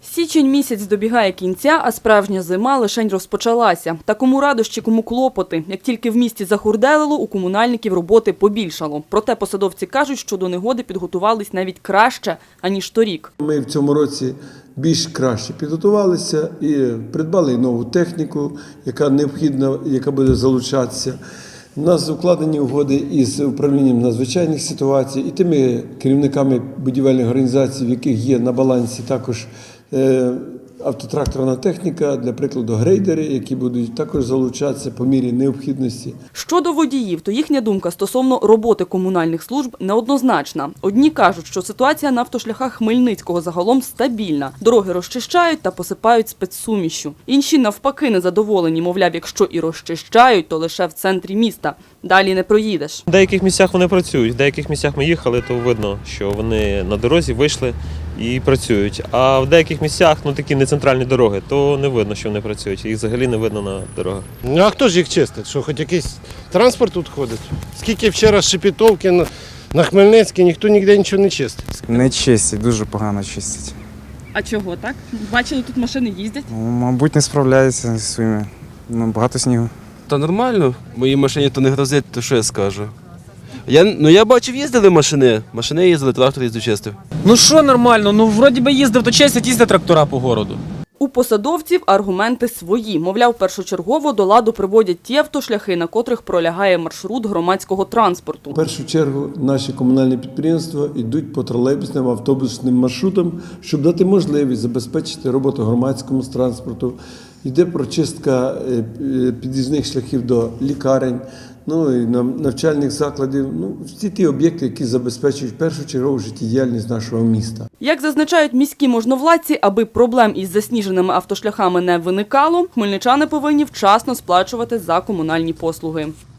Січень місяць добігає кінця, а справжня зима лишень розпочалася. Та кому радощі, кому клопоти. Як тільки в місті захурделило, у комунальників роботи побільшало. Проте посадовці кажуть, що до негоди підготувались навіть краще, аніж торік. Ми в цьому році більш краще підготувалися і придбали нову техніку, яка необхідна, яка буде залучатися. У нас укладені угоди із управлінням надзвичайних ситуацій і тими керівниками будівельних організацій, в яких є на балансі також автотракторна техніка, для прикладу грейдери, які будуть також залучатися по мірі необхідності. Щодо водіїв, то їхня думка стосовно роботи комунальних служб неоднозначна. Одні кажуть, що ситуація на автошляхах Хмельницького загалом стабільна. Дороги розчищають та посипають спецсумішшю. Інші навпаки незадоволені, мовляв, якщо і розчищають, то лише в центрі міста. Далі не проїдеш. В деяких місцях вони працюють, в деяких місцях ми їхали, то видно, що вони на дорозі вийшли і працюють. А в деяких місцях, такі не центральні дороги, то не видно, що вони працюють. Їх взагалі не видно на дорогах. А хто ж їх чистить? Що, хоч якийсь транспорт тут ходить? Скільки вчора Шепетовки на Хмельницький, ніхто ніде нічого не чистить. Не чистять, дуже погано чистять. А чого так? Бачили, тут машини їздять? Мабуть, не справляються зі своїми. Багато снігу. Та нормально, моїй машині то не грозить, то що я скажу. Я бачив, їздили машини. Машини їздили, трактор їздив, чистив. Ну що нормально, вроді би їздив, то чистять, їздять трактора по городу. У посадовців аргументи свої. Мовляв, першочергово до ладу приводять ті автошляхи, на котрих пролягає маршрут громадського транспорту. В першу чергу наші комунальні підприємства йдуть по тролейбусним, автобусним маршрутам, щоб дати можливість забезпечити роботу громадському транспорту. Йде прочистка під'їзних шляхів до лікарень, і навчальних закладів. Всі ті об'єкти, які забезпечують першочергову життєдіяльність нашого міста. Як зазначають міські можновладці, аби проблем із засніженими автошляхами не виникало, хмельничани повинні вчасно сплачувати за комунальні послуги.